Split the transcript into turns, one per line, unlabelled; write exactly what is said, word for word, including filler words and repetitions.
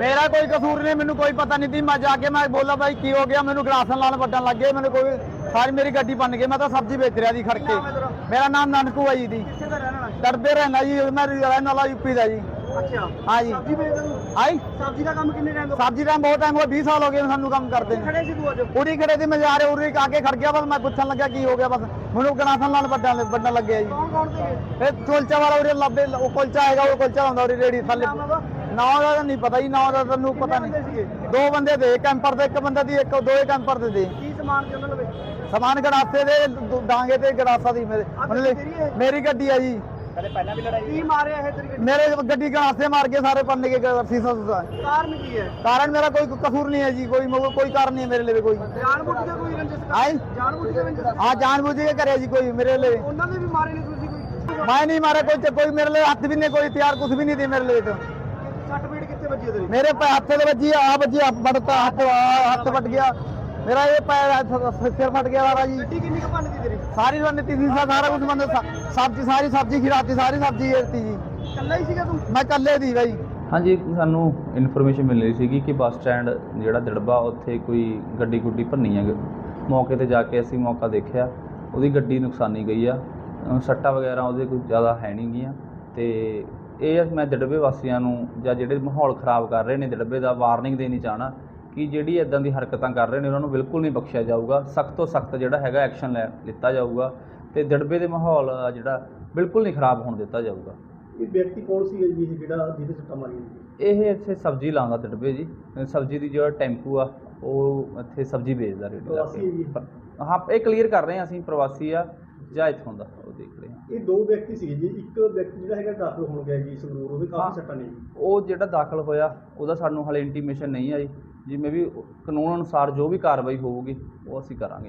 मेरा कोई कसूर नहीं, मैंने कोई पता नहीं थी। मैं जाके मैं बोला भाई की हो गया, मैंने गलासन लाल बटन लग गए, मैंने कोई सारी मेरी गड्डी बन गई। मैं तो सब्जी बेच रहा थी खड़ के। मेरा नाम नानकू है जी दी डरबे रहना जी, मैं रहने वाला यूपी का जी।
अच्छा
हाँ जी
सब्जी बेचदा तूं?
आई
सब्जी का काम कितने टाइम तो
सब्जी का बहुत टाइम हो, बीस साल हो गए सानू काम करते हैं।
खड़े सी तू अज
उरी खड़े थी, मैं जा रहे उरी आके खड़ गया, बस मैं पूछन लगा की हो गया, बस मैंने गलासन लाल बटन बटन लग गया जी।
कौन कौन थे?
फिर कुलचा वाला उरे लब्बे वो कुलचा हैगा, वो कुलचा ਹੁੰਦਾ उरी रेड़ी थल्ले
नाम ਉਹਦਾ?
ਨਾ ਉਹਦਾ ਨਹੀਂ ਪਤਾ ਜੀ, ਨਾ ਉਹਦਾ ਤੈਨੂੰ ਪਤਾ
ਕਿੰਨੇ ਬੰਦੇ
ਨਹੀਂ।
ਸੀਗੇ?
ਦੋ ਬੰਦੇ ਦੇ ਕੈਂਪਰ ਦੇ, ਇੱਕ ਬੰਦੇ ਦੀ ਇੱਕ ਦੋ ਕੈਂਪਰ ਦੇ ਦੇ
ਕੀ ਸਮਾਨ ਸੀ ਉਹਨਾਂ ਲਵੇ?
ਸਮਾਨ ਗੜਾਸੇ ਦੇ ਦ- ਡਾਂਗੇ ਤੇ ਗੜਾਸਾ ਦੀ ਮੇਰੇ
ਆਹ
ਮਤਲਬ
ਗੱਡੀ ਤੇਰੀ ਹੈ?
ਮੇਰੀ ਗੱਡੀ ਆ ਜੀ।
ਕਦੇ ਪਹਿਲਾਂ ਵੀ ਲੜਾਈ ਕੀ ਮਾਰਿਆ ਇਹ ਤੇਰੀ ਗੱਡੀ?
ਮੇਰੇ ਗੱਡੀ ਗੜਾਸੇ ਮਾਰ ਕੇ ਸਾਰੇ ਪੰਨੇ ਕੇ ਸੀਸਾ ਸੁਸਾ।
ਕਾਰਨ ਕੀ ਹੈ?
ਕਾਰਨ ਮੇਰਾ ਕੋਈ ਕਸੂਰ ਨਹੀਂ ਹੈ ਜੀ, ਕੋਈ ਮਤਲਬ ਕੋਈ ਕਾਰਨ ਨਹੀਂ ਹੈ ਮੇਰੇ ਲਈ ਕੋਈ।
ਜਾਣਬੁੱਝ ਕੇ ਕੋਈ ਰੰਜਿਸ਼ ਕਰ
ਆਏ
ਜਾਣਬੁੱਝ ਕੇ ਰੰਜਿਸ਼
ਹਾਂ ਜਾਣਬੁੱਝ ਕੇ ਕਰਿਆ ਜੀ ਕੋਈ ਮੇਰੇ ਲਈ।
ਉਹਨਾਂ ਨੇ ਵੀ ਮਾਰੇ ਨਹੀਂ ਤੁਸੀਂ ਕੋਈ?
ਮੈਂ ਨਹੀਂ ਮਾਰਿਆ ਕੋਈ, ਤੇ ਕੋਈ ਮੇਰੇ ਲਈ ਹੱਥ ਵੀ ਨਹੀਂ, ਕੋਈ ਤਿਆਰ ਕੁਝ ਵੀ ਨਹੀਂ ਦੀ ਮੇਰੇ ਲਈ। ਤਾਂ
ਸੱਟ ਪੀੜ ਕਿੱਥੇ ਵੱਜੀ ਹੈ ਤੇਰੀ?
ਮੇਰੇ ਪੈ ਹੱਥ ਦੇ ਵੱਜੀ ਆ, ਵੱਜੀ ਆ ਵੱਟਤਾ ਹੱਥ, ਆਹ ਹੱਥ ਵੱਟ ਗਿਆ ਮੇਰਾ, ਇਹ ਪੈਰ ਸਿਰ ਫਟ ਗਿਆ ਵਾਰਾ ਜੀ।
ਗੱਡੀ ਕਿੰਨੀ ਕੁ ਭੰਨ ਗਈ ਤੇਰੀ?
ਸਾਰੀ ਰਣਨੀਤੀ ਸੀ, ਸਾਰਾ ਕੁਝ ਬੰਦੇ ਸਬਜ਼ੀ ਸਾਰੀ ਸਬਜ਼ੀ ਖਿਰਾਤੀ, ਸਾਰੀ ਸਬਜ਼ੀ ਏਰਤੀ ਜੀ।
ਇਕੱਲਾ ਹੀ ਸੀਗਾ ਤੂੰ?
ਮੈਂ ਇਕੱਲੇ ਦੀ ਬਾਈ।
ਹਾਂਜੀ, ਸਾਨੂੰ ਇਨਫੋਰਮੇਸ਼ਨ ਮਿਲ ਰਹੀ ਸੀਗੀ ਕਿ ਬੱਸ ਸਟੈਂਡ ਜਿਹੜਾ ਦਿੜਬਾ ਉੱਥੇ ਕੋਈ ਗੱਡੀ ਗੁੱਡੀ ਭੰਨੀ ਹੈ। ਮੌਕੇ ਤੇ ਜਾ ਕੇ ਅਸੀਂ ਮੌਕਾ ਦੇਖਿਆ, ਉਹਦੀ ਗੱਡੀ ਨੁਕਸਾਨੀ ਗਈ ਆ, ਅ, ਸੱਟਾਂ ਵਗੈਰਾ ਉਹਦੇ ਕੋਈ ਜ਼ਿਆਦਾ ਹੈ ਨਹੀਂ ਗੀਆਂ। ਤੇ ਇਹ ਮੈਂ ਦਿੜਬੇ ਵਾਸੀਆਂ ਨੂੰ ਜਾਂ ਜਿਹੜੇ ਮਾਹੌਲ ਖਰਾਬ ਕਰ ਰਹੇ ਨੇ ਦਿੜਬੇ ਦਾ ਵਾਰਨਿੰਗ ਦੇਣੀ ਚਾਹਣਾ ਕਿ ਜਿਹੜੀ ਇੱਦਾਂ ਦੀ ਹਰਕਤਾਂ ਕਰ ਰਹੇ ਨੇ ਉਹਨਾਂ ਨੂੰ ਬਿਲਕੁਲ ਨਹੀਂ ਬਖਸ਼ਿਆ ਜਾਊਗਾ। ਸਖਤ ਤੋਂ ਸਖਤ ਜਿਹੜਾ ਹੈਗਾ ਐਕਸ਼ਨ ਲੈ ਲਿੱਤਾ ਜਾਊਗਾ ਤੇ ਦਿੜਬੇ ਦੇ ਮਾਹੌਲ ਆ ਜਿਹੜਾ ਬਿਲਕੁਲ ਨਹੀਂ ਖਰਾਬ ਹੋਣ ਦਿੱਤਾ ਜਾਊਗਾ।
ਇਹ ਵਿਅਕਤੀ ਕੌਣ ਸੀ ਜੀ ਜਿਹੜਾ ਜਿਹਦੇ ਸੱਟਾਂ ਮਾਰੀਆਂ?
ਇਹ ਇੱਥੇ ਸਬਜ਼ੀ ਲਾਉਂਦਾ ਦਿੜਬੇ ਜੀ, ਸਬਜ਼ੀ ਦੀ ਜਿਹੜਾ ਟੈਂਪੂ ਆ ਉਹ ਇੱਥੇ ਸਬਜ਼ੀ ਵੇਚਦਾ ਰੇੜੀ ਲਾ
ਪ੍ਰਵਾਸੀ ਹੈ ਜੀ?
ਕੇ। ਹਾਂ, ਇਹ ਕਲੀਅਰ ਕਰ ਰਹੇ ਹਾਂ ਅਸੀਂ ਪ੍ਰਵਾਸੀ ਆ ਜਾਂ ਇੱਥੋਂ ਦਾ, ਉਹ ਦੇਖ ਰਹੇ ਹਾਂ।
ਇਹ ਦੋ ਵਿਅਕਤੀ ਸੀਗੇ ਜੀ, ਇੱਕ ਵਿਅਕਤੀ ਜਿਹੜਾ ਹੈਗਾ ਦਾਖਲ ਹੋਣ ਗਿਆ ਜੀ ਸੰਗਰੂਰ, ਉਹਦੇ
ਹਾਂ।
ਕਾਫੀ ਸੱਟਾਂ ਨੇ ਜੀ।
ਉਹ ਜਿਹੜਾ ਦਾਖਲ ਹੋਇਆ ਉਹਦਾ ਸਾਨੂੰ ਹਾਲੇ ਇੰਟੀਮੇਸ਼ਨ ਨਹੀਂ ਆਈ, ਜਿਵੇਂ ਵੀ ਕਾਨੂੰਨ ਅਨੁਸਾਰ ਜੋ ਵੀ ਕਾਰਵਾਈ ਹੋਊਗੀ ਉਹ ਅਸੀਂ ਕਰਾਂਗੇ।